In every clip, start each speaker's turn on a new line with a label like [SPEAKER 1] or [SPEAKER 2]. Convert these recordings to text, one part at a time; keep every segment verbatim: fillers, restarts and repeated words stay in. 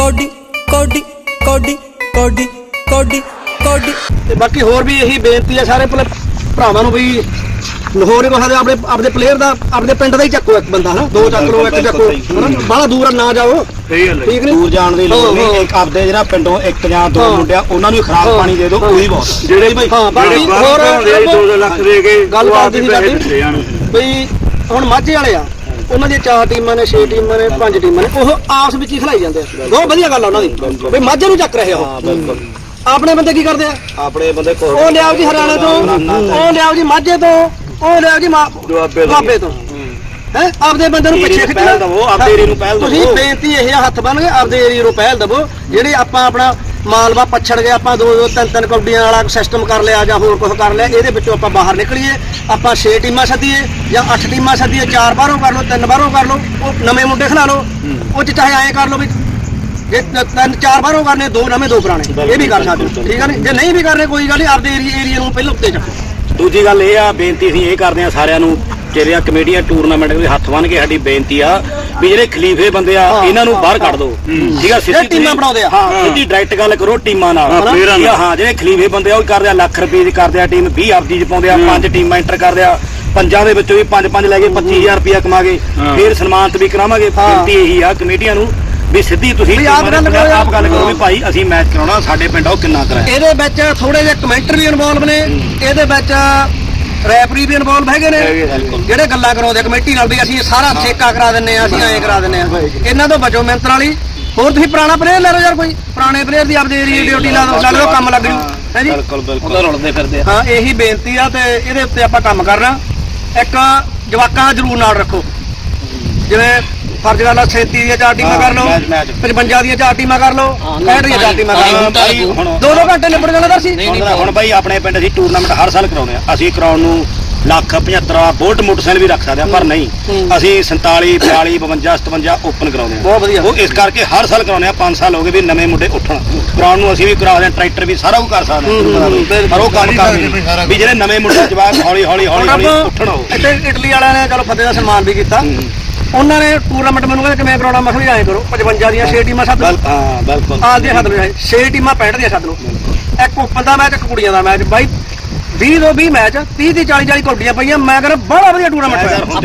[SPEAKER 1] कौडी कौडी कौडी कौडी कौडी कौडी।
[SPEAKER 2] ਤੇ ਬਾਕੀ ਹੋਰ ਵੀ ਇਹੀ ਬੇਨਤੀ ਹੈ ਸਾਰੇ ਭਲੇ ਭਰਾਵਾਂ ਨੂੰ ਵੀ ਲਾਹੌਰ ਕਹਾ ਦੇ ਆਪਣੇ ਆਪਣੇ ਪਲੇਅਰ ਦਾ ਆਪਣੇ ਪਿੰਡ ਦਾ ਹੀ ਚੱਕੋ ਇੱਕ ਬੰਦਾ ਹਨਾ, ਦੋ ਚੱਕ ਲਓ, ਇੱਕ ਚੱਕੋ ਬਾਹਲਾ ਦੂਰ ਨਾ ਜਾਓ।
[SPEAKER 3] ਸਹੀ ਗੱਲ ਹੈ,
[SPEAKER 2] ਠੀਕ ਨਹੀਂ
[SPEAKER 4] ਦੂਰ ਜਾਣ ਦੀ ਲੋੜ ਨਹੀਂ। ਇੱਕ ਆਪਦੇ ਜਿਹੜਾ ਪਿੰਡੋਂ ਇੱਕ ਜਾਂ ਦੋ ਮੁੰਡਿਆਂ ਉਹਨਾਂ ਨੂੰ ਖਰਾਬ ਪਾਣੀ ਦੇ ਦਿਓ, ਉਹੀ ਬਹੁਤ।
[SPEAKER 3] ਜਿਹੜੇ
[SPEAKER 2] ਬਈ ਹਾਂ ਬਾਕੀ
[SPEAKER 3] ਜਿਹੜੇ
[SPEAKER 2] ਹੋਰ
[SPEAKER 3] ਦੋ ਦੋ ਲੱਖ ਦੇ ਕੇ
[SPEAKER 2] ਗੱਲ
[SPEAKER 3] ਉਹ ਆਪ
[SPEAKER 2] ਕਰਦੀ
[SPEAKER 3] ਹੀ
[SPEAKER 2] ਸੀ
[SPEAKER 3] ਪੈਸੇ
[SPEAKER 2] ਸਾਡੀ
[SPEAKER 3] ਦਿੱਤੇ ਜਾਣ।
[SPEAKER 2] ਬਈ ਹੁਣ ਮਾਝੇ ਵਾਲੇ ਆ, ਉਹਨਾਂ ਦੀਆਂ ਚਾਰ ਟੀਮਾਂ ਨੇ, ਛੇ ਟੀਮਾਂ ਨੇ, ਪੰਜ ਟੀਮਾਂ ਨੇ, ਉਹ ਆਪਸ ਵਿੱਚ ਹੀ ਖਿਲਾਈ ਜਾਂਦੇ ਆ। ਬਹੁਤ ਵਧੀਆ ਗੱਲ ਆ ਉਹਨਾਂ ਦੀ ਬਈ ਮਾਝੇ ਨੂੰ ਚੱਕ ਰਹੇ ਆ ਉਹ।
[SPEAKER 4] ਬਿਲਕੁਲ
[SPEAKER 2] ਆਪਣੇ ਬੰਦੇ ਕੀ ਕਰਦੇ ਆ?
[SPEAKER 4] ਆਪਣੇ ਬੰਦੇ ਕੋਲ
[SPEAKER 2] ਉਹ ਲਿਆਓ ਜੀ ਹਰਿਆਣੇ ਤੋਂ, ਉਹ ਲਿਆਓ ਜੀ ਮਾਝੇ ਤੋਂ, ਉਹ ਲਿਆਓ ਜੀ ਦੁਆਬੇ ਤੋਂ। ਹੈ ਆਪਦੇ ਬੰਦੇ ਨੂੰ ਪਿੱਛੇ ਖਿੱਚਣਾ,
[SPEAKER 4] ਆਪਦੇ ਏਰੀਏ ਨੂੰ ਪਹਿਲ
[SPEAKER 2] ਤੁਸੀਂ ਬੇਨਤੀ ਇਹ ਆ ਹੱਥ ਬੰਨ ਕੇ ਆਪਦੇ ਏਰੀਏ ਨੂੰ ਪਹਿਲ ਦਵੋ। ਜਿਹੜੇ ਆਪਾਂ ਆਪਣਾ ਮਾਲਵਾ ਪਛੜ ਗਏ, ਆਪਾਂ ਦੋ ਦੋ ਤਿੰਨ ਤਿੰਨ ਕੌਡੀਆਂ ਵਾਲਾ ਸਿਸਟਮ ਕਰ ਲਿਆ ਜਾਂ ਹੋਰ ਕੁਝ ਕਰ ਲਿਆ, ਇਹਦੇ ਵਿੱਚੋਂ ਆਪਾਂ ਬਾਹਰ ਨਿਕਲੀਏ। ਆਪਾਂ ਛੇ ਟੀਮਾਂ ਸੱਦੀਏ ਜਾਂ ਅੱਠ ਟੀਮਾਂ ਸੱਦੀਏ, ਚਾਰ ਬਾਹਰੋਂ ਕਰ ਲਓ, ਤਿੰਨ ਬਾਹਰੋਂ ਕਰ ਲਓ, ਉਹ ਨਵੇਂ ਮੁੰਡੇ ਖਿਲਾ ਲਓ। ਉਹ ਚ ਚਾਹੇ ਐਂ ਕਰ ਲਓ ਵੀ ਜੇ ਤਿੰਨ ਚਾਰ ਬਾਹਰੋਂ ਕਰਨੇ, ਦੋ ਨਵੇਂ ਦੋ ਪੁਰਾਣੇ, ਇਹ ਵੀ ਕਰ ਸਕਦੇ ਹੋ। ਠੀਕ ਆ ਨੀ? ਜੇ ਨਹੀਂ ਵੀ ਕਰਨੇ ਕੋਈ ਗੱਲ ਨਹੀਂ, ਆਪਦੇ ਏਰੀਏ ਏਰੀਏ ਨੂੰ ਪਹਿਲਾਂ ਉੱਤੇ ਚੱਕੋ।
[SPEAKER 4] ਦੂਜੀ ਗੱਲ ਇਹ ਆ, ਬੇਨਤੀ ਅਸੀਂ ਇਹ ਕਰਦੇ ਆ ਸਾਰਿਆਂ ਨੂੰ, ਜਿਹੜੀਆਂ ਕਮੇਟੀਆਂ ਟੂਰਨਾਮੈਂਟ ਦੇ ਹੱਥ ਬੰਨ ਕੇ ਸਾਡੀ ਬੇਨਤੀ ਆ ਵੀ ਜਿਹੜੇ ਖਲੀਫੇ ਬੰਦੇ ਆ ਇਹਨਾਂ ਨੂੰ ਬਾਹਰ ਕੱਢ ਦਿਓ। ਠੀਕ ਆ, ਸਿੱਧੀ
[SPEAKER 2] ਟੀਮਾਂ ਬਣਾਉਂਦੇ ਆ,
[SPEAKER 4] ਹਾਂ ਸਿੱਧੀ ਡਾਇਰੈਕਟ ਗੱਲ ਕਰੋ ਟੀਮਾਂ ਨਾਲ। ਹਾਂ ਜਿਹੜੇ ਖਲੀਫੇ ਬੰਦੇ ਆ ਉਹ ਕਰਦੇ ਆ ਲੱਖ ਰੁਪਏ ਦੀ ਕਰਦੇ ਆ ਟੀਮ, ਵੀਹ ਆਪਦੀ ਚ ਪਾਉਂਦੇ ਆ, ਪੰਜ ਟੀਮਾਂ ਐਂਟਰ ਕਰਦੇ ਆ, ਪੰਜਾਂ ਦੇ ਵਿੱਚੋਂ ਵੀ ਪੰਜ ਪੰਜ ਲੈ ਕੇ ਪੱਚੀ ਹਜ਼ਾਰ ਰੁਪਇਆ ਕਮਾਗੇ, ਫਿਰ ਸਨਮਾਨਿਤ ਵੀ ਕਰਾਵਾਂਗੇ। ਬੇਨਤੀ ਇਹੀ ਆ ਕਮੇਟੀਆਂ ਨੂੰ ਵੀ ਸਿੱਧੀ ਤੁਸੀਂ ਆਪ ਗੱਲ ਕਰੋ ਵੀ ਭਾਈ ਅਸੀਂ ਮੈਚ ਕਰਾਉਣਾ, ਸਾਡੇ ਪਿੰਡ ਉਹ ਕਿੰਨਾ ਕਰਾਇਆ।
[SPEAKER 2] ਇਹਦੇ ਵਿੱਚ ਥੋੜੇ ਜਿਹੇ ਕਮੈਂਟਰ ਵੀ ਇਨਵੋਲਵ ਨੇ, ਇਹਦੇ ਵਿੱਚ ਰੈਫਰੀ ਵੀ ਇਨਵੋਲਵ ਹੈਗੇ ਨੇ, ਜਿਹੜੇ ਗੱਲਾਂ ਕਰਾਉਂਦੇ ਕਮੇਟੀ ਨਾਲ ਵੀ ਅਸੀਂ ਸਾਰਾ ਠੇਕਾ ਕਰਾ ਦਿੰਨੇ ਆ, ਅਸੀਂ ਐਂ ਕਰਾ ਦਿੰਨੇ ਆ। ਇਹਨਾਂ ਤੋਂ ਬਚੋ ਮਿਹਨਤ ਵਾਲੀ। ਹੋਰ ਤੁਸੀਂ ਪੁਰਾਣਾ ਪਲੇਅਰ ਲੈ ਲਓ ਯਾਰ, ਕੋਈ ਪੁਰਾਣੇ ਪਲੇਅਰ ਦੀ ਆਪਦੇ ਏਰੀਏ ਡਿਊਟੀ ਲਾ ਦਿਓ, ਨਾਲ ਕੰਮ ਲੱਗ ਜੂ ਹੈ ਜੀ।
[SPEAKER 4] ਬਿਲਕੁਲ ਬਿਲਕੁਲ ਰੁਲਦੇ ਫਿਰਦੇ ਆ।
[SPEAKER 2] ਹਾਂ ਇਹੀ ਬੇਨਤੀ ਆ, ਤੇ ਇਹਦੇ ਉੱਤੇ ਆਪਾਂ ਕੰਮ ਕਰਨਾ। ਇੱਕ ਜਵਾਕਾਂ ਜ਼ਰੂਰ ਨਾਲ ਰੱਖੋ, ਜਿਵੇਂ ਫਰਜ਼ ਗੱਲ ਆ ਸੈਂਤੀ ਦੀਆਂ ਚਾਰ ਟੀਮਾਂ ਕਰ ਲਓ, ਪਚਵੰਜਾ ਦੀਆਂ ਚਾਰ ਟੀਮਾਂ ਕਰ ਲਓ, ਪੈਂਹਠ ਦੀਆਂ ਚਾਰ ਟੀਮਾਂ ਕਰ ਲਓ, ਦੋ ਦੋ ਘੰਟੇ ਨਿਬੜ ਜਾਣਾ ਦਰਸੀ।
[SPEAKER 4] ਹੁਣ ਬਾਈ ਆਪਣੇ ਪਿੰਡ ਅਸੀਂ ਟੂਰਨਾਮੈਂਟ ਹਰ ਸਾਲ ਕਰਾਉਂਦੇ ਆ, ਅਸੀਂ ਕਰਾਉਣ ਨੂੰ ਲੱਖ ਪਝੱਤਰ ਬੋਲਟ ਮੋਟਰਸਾਈਕਲ ਵੀ ਰੱਖ ਸਕਦੇ ਆ, ਪਰ ਨਹੀਂ ਅਸੀਂ ਸੰਤਾਲੀ ਬਿਆਲੀ ਬਵੰਜਾ ਸਤਵੰਜਾ ਓਪਨ ਕਰਾਉਂਦੇ ਆ।
[SPEAKER 2] ਬਹੁਤ ਵਧੀਆ।
[SPEAKER 4] ਉਹ ਇਸ ਕਰਕੇ ਹਰ ਸਾਲ ਕਰਾਉਂਦੇ ਆ, ਪੰਜ ਸਾਲ ਹੋ ਗਏ ਵੀ ਨਵੇਂ ਮੁੰਡੇ ਉੱਠਣ ਕਰਾਉਣ ਨੂੰ। ਅਸੀਂ ਵੀ ਕਰਾਉਂਦੇ ਆ, ਟਰੈਕਟਰ ਵੀ ਸਾਰਾ ਕੁਝ ਕਰ ਸਕਦੇ ਆ, ਪਰ ਉਹ ਕੰਮ ਕਰਦੇ ਵੀ ਜਿਹੜੇ ਨਵੇਂ ਮੁੰਡੇ ਜਵਾਕ ਹੌਲੀ ਹੌਲੀ ਹੌਲੀ ਹੌਲੀ ਉੱਠਣ।
[SPEAKER 2] ਇੱਥੇ ਇਟਲੀ ਵਾਲਿਆਂ ਨੇ ਚਲੋ ਫਤਿਹ ਦਾ ਸਨਮਾਨ ਵੀ ਕੀਤਾ, ਉਹਨਾਂ ਨੇ ਟੂਰਨਾਮੈਂਟ ਮੈਨੂੰ ਕਹਿੰਦੇ ਕਿਵੇਂ ਕਰਾਉਣਾ, ਮੈਂ ਕਿਹਾ ਐਂ ਕਰੋ ਪਚਵੰਜਾ ਦੀਆਂ ਛੇ ਟੀਮਾਂ ਸੱਦ ਲਓ।
[SPEAKER 4] ਹਾਂ ਬਿਲਕੁਲ
[SPEAKER 2] ਆਲ ਦੀਆਂ ਸੱਦ ਲਓ, ਛੇ ਟੀਮਾਂ ਪੈਂਹਠ ਦੀਆਂ ਸੱਦ ਲਓ, ਇੱਕ ਓਪਨ ਦਾ ਮੈਚ, ਇੱਕ ਕੁੜੀਆਂ ਦਾ ਮੈਚ। ਬਾਈ ਵੀਹ ਤੋਂ ਵੀਹ ਮੈਚ, ਤੀਹ ਦੀ ਚਾਲੀ ਚਾਲੀ ਕੌਡੀਆਂ ਪਈਆਂ। ਮੈਂ ਕਹਿੰਦਾ ਬੜਾ ਵਧੀਆ ਟੂਰਨਾਮੈਂਟ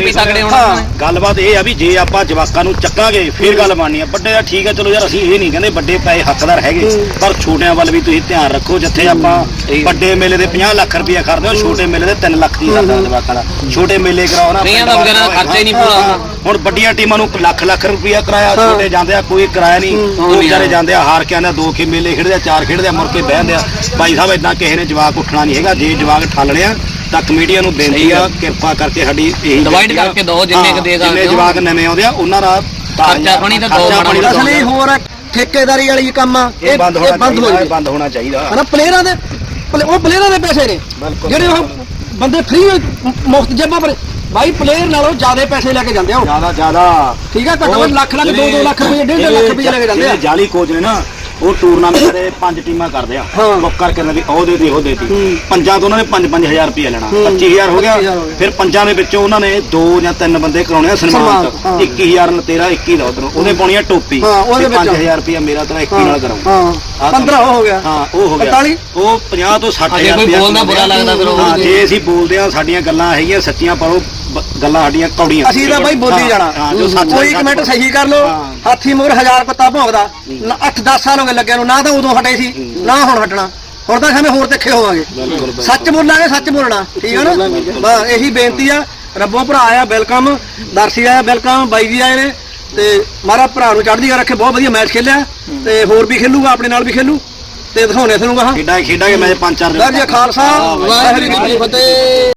[SPEAKER 2] ਹੋਇਆ।
[SPEAKER 4] ਗੱਲਬਾਤ ਇਹ ਆ ਵੀ ਜੇ ਆਪਾਂ ਜਵਾਕਾਂ ਨੂੰ ਚੱਕਾਂਗੇ ਫਿਰ ਗੱਲ ਬਣਨੀ ਆ। ਵੱਡੇ ਦਾ ਠੀਕ ਆ, ਚਲੋ ਯਾਰ ਅਸੀਂ ਇਹ ਨਹੀਂ ਕਹਿੰਦੇ ਵੱਡੇ ਪੈਸੇ ਹੱਕਦਾਰ ਹੈਗੇ, ਪਰ ਛੋਟਿਆਂ ਵੱਲ ਵੀ ਤੁਸੀਂ ਧਿਆਨ ਰੱਖੋ। ਜਿੱਥੇ ਆਪਾਂ ਵੱਡੇ ਮੇਲੇ ਦੇ ਪੰਜਾਹ ਲੱਖ ਰੁਪਇਆ ਕਰਦੇ ਹੋ, ਛੋਟੇ ਮੇਲੇ ਦੇ ਤਿੰਨ ਲੱਖ ਦੀ ਕਰਦਾ ਜਵਾਕਾਂ ਦਾ। ਛੋਟੇ ਮੇਲੇ ਕਰਾਓ ਨਾ, ਖਰਚਾ ਹੀ ਨਹੀਂ ਪੂਰਾ। ਹੁਣ ਵੱਡੀਆਂ ਟੀਮਾਂ ਨੂੰ ਲੱਖ ਲੱਖ ਰੁਪਇਆ ਕਰਾਇਆ, ਛੋਟੇ ਜਾਂਦੇ ਆ ਕੋਈ ਕਿਰਾਇਆ ਨਹੀਂ, ਉਹ ਵਿਚਾਰੇ ਜਾਂਦੇ ਆ ਹਾਰ ਕੇ ਆਉਂਦੇ, ਦੋ ਕੇ ਮੇਲੇ ਖੇਡਦੇ ਆ, ਚਾਰ ਖੇਡਦੇ ਆ, ਮੁੜ ਕੇ ਬਹਿੰਦੇ ਆ। ਭਾਈ ਸਾਹਿਬ ਏਦਾਂ ਕਿਸੇ ਨੇ ਜਵਾਕ ਉੱਠਣਾ ਨਹੀਂ ਹੈਗਾ। ਜੇ ਜਵਾਕ ਠੱਲਣੇ ਆ ਤਾਂ ਕਮੇਟੀਆਂ ਨੂੰ ਬੇਨਤੀ ਆ, ਕਿਰਪਾ ਕਰਕੇ ਸਾਡੀ ਇਹੀ
[SPEAKER 5] ਡਿਵਾਈਡ ਕਰਕੇ ਦੋ, ਜਿੰਨੇ ਕ ਦੇ ਸਕਦੇ
[SPEAKER 4] ਜਿੰਨੇ ਜਵਾਕ ਨਵੇਂ ਆਉਂਦੇ ਆ ਉਹਨਾਂ ਦਾ
[SPEAKER 5] ਖਰਚਾ ਪਾਣੀ ਤਾਂ ਦੋ ਬਣਾ।
[SPEAKER 2] ਅਸਲੀ ਹੋਰ ਠੇਕੇਦਾਰੀ ਵਾਲੀ ਕੰਮ ਆ,
[SPEAKER 4] ਇਹ ਬੰਦ ਹੋਣਾ
[SPEAKER 2] ਬੰਦ ਹੋ ਜਾਵੇ,
[SPEAKER 4] ਬੰਦ ਹੋਣਾ ਚਾਹੀਦਾ
[SPEAKER 2] ਹਨਾ। ਪਲੇਅਰਾਂ ਦੇ ਉਹ ਪਲੇਅਰਾਂ ਦੇ ਪੈਸੇ ਨੇ ਜਿਹੜੇ ਉਹ ਬੰਦੇ ਫ੍ਰੀ ਮੁਫਤ ਜੇਬਾਂ ਪਰ। ਬਾਈ ਪਲੇਅਰ ਨਾਲੋਂ ਜ਼ਿਆਦਾ ਪੈਸੇ ਲੈ ਕੇ ਜਾਂਦੇ ਆ ਉਹ,
[SPEAKER 4] ਜ਼ਿਆਦਾ ਜ਼ਿਆਦਾ।
[SPEAKER 2] ਠੀਕ ਆ, ਘੱਟੋ ਘੱਟ ਲੱਖ ਲੱਖ ਦੋ ਦੋ ਲੱਖ ਰੁਪਏ, ਡੇਢ ਲੱਖ ਰੁਪਏ ਲੈ ਕੇ ਜਾਂਦੇ ਆ।
[SPEAKER 4] ਜਾਲੀ ਕੋਚ ਨੇ ਨਾ, ਉਹ ਟੂਰਨਾਮੈਂਟ ਦੇ ਪੰਜ ਟੀਮਾਂ ਕਰਦੇ ਆ, ਬੁੱਕ ਕਰਕੇ ਵੀ ਉਹ ਦੇ ਦੇ ਉਹ ਦੇ ਦੀ ਪੰਜਾਂ ਤੋਂ ਉਹਨਾਂ ਨੇ ਪੰਜ ਪੰਜ ਹਜ਼ਾਰ ਰੁਪਇਆ ਲੈਣਾ, ਪੱਚੀ ਹਜ਼ਾਰ ਹੋ ਗਿਆ। ਫਿਰ ਪੰਜਾਂ ਦੇ ਵਿੱਚੋਂ ਉਹਨਾਂ ਨੇ ਦੋ ਜਾਂ ਤਿੰਨ ਬੰਦੇ ਕਰਾਉਣੇ ਆ ਸਨਮਾਨ, ਇੱਕੀ ਹਜ਼ਾਰ ਤੇਰਾ ਇੱਕੀ ਦਾ ਉਧਰੋਂ ਉਹਨੇ ਪਾਉਣੀ ਆ ਟੋਪੀ, ਪੰਜ ਹਜ਼ਾਰ ਰੁਪਇਆ ਮੇਰਾ ਤੇਰਾ ਇੱਕੀ ਨਾਲ ਕਰਾਉਂ,
[SPEAKER 2] ਪੰਦਰਾਂ ਹੋ ਗਿਆ।
[SPEAKER 4] ਹਾਂ ਉਹ ਹੋ ਗਿਆ, ਉਹ ਪੰਜਾਹ ਤੋਂ ਸੱਠ ਹਜ਼ਾਰ
[SPEAKER 5] ਰੁਪਇਆ ਬੋਲਦਾ ਬੁਰਾ ਲੱਗਦਾ ਫਿਰ ਉਹ।
[SPEAKER 4] ਜੇ ਅਸੀਂ ਬੋਲਦੇ ਆ ਸਾਡੀਆਂ ਗੱਲਾਂ ਹੈਗੀਆਂ ਸੱਚੀਆਂ, ਪਰ ਉਹ ਗੱਲਾਂ ਸਾਡੀਆਂ ਕੌੜੀਆਂ।
[SPEAKER 2] ਅਸੀਂ ਤਾਂ ਬਾਈ ਬੋਲੀ ਜਾਣਾ, ਕੋਈ ਕਮੈਂਟ ਸਹੀ ਕਰ ਲੋ। ਹਾਥੀ ਮੋਰ ਹਜ਼ਾਰ ਪੱਤਾ ਭੌਂਕਦਾ, ਅੱਠ ਦਸ ਸਾਲ ਹੋ ਗਏ ਲੱਗਿਆ ਨੂੰ, ਨਾ ਤਾਂ ਉਦੋਂ ਹਟੇ ਸੀ ਨਾ ਹੁਣ ਹਟਣਾ। ਹੁਣ ਤਾਂ ਐਵੇਂ ਹੋਰ ਤਿੱਖੇ ਹੋਵਾਂਗੇ, ਸੱਚ ਬੋਲਾਂਗੇ, ਸੱਚ ਬੋਲਣਾ, ਠੀਕ ਹੈ ਨਾ। ਬਸ ਇਹੀ ਬੇਨਤੀ ਆ। ਰੱਬੋਂ ਭਰਾ ਆਇਆ ਵੈਲਕਮ, ਦਰਸ਼ੀ ਆਇਆ ਵੈਲਕਮ, ਬਾਈ ਜੀ ਆਏ ਨੇ, ਤੇ ਮਾਰਾ ਭਰਾ ਨੂੰ ਚੜ੍ਹਦੀ ਰੱਖੇ। ਬਹੁਤ ਵਧੀਆ ਮੈਚ ਖੇਲਿਆ, ਤੇ ਹੋਰ ਵੀ ਖੇਲੂਗਾ, ਆਪਣੇ ਨਾਲ ਵੀ ਖੇਲੂ, ਤੇ ਦਿਖਾਉਣੇ ਤੁਹਾਨੂੰ ਗਾ
[SPEAKER 4] ਖੇਡਾਂ ਖੇਡਾਂਗੇ ਮੈਚ ਪੰਜ ਚਾਰ ਦਿਨ।
[SPEAKER 2] ਜੀ ਖਾਲਸਾ ਵਾਹਿਗੁਰੂ ਜੀ ਕੀ ਫਤਿਹ।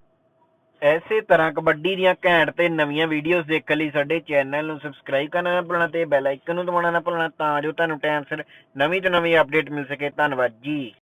[SPEAKER 6] ਇਸੇ ਤਰ੍ਹਾਂ ਕਬੱਡੀ ਦੀਆਂ ਘੈਂਟ ਤੇ ਨਵੀਆਂ ਵੀਡੀਓਜ਼ ਦੇਖਣ ਲਈ ਸਾਡੇ ਚੈਨਲ ਨੂੰ ਸਬਸਕ੍ਰਾਈਬ ਕਰਨਾ ਨਾ ਭੁੱਲਣਾ ਤੇ ਬੈਲ ਆਈਕਨ ਨੂੰ ਦਬਾਉਣਾ ਨਾ ਭੁੱਲਣਾ, ਤਾਂ ਜੋ ਤੁਹਾਨੂੰ ਟਾਈਮ ਸਿਰ ਨਵੀਂ ਤੋਂ ਨਵੀਂ ਅਪਡੇਟ ਮਿਲ ਸਕੇ। ਧੰਨਵਾਦ ਜੀ।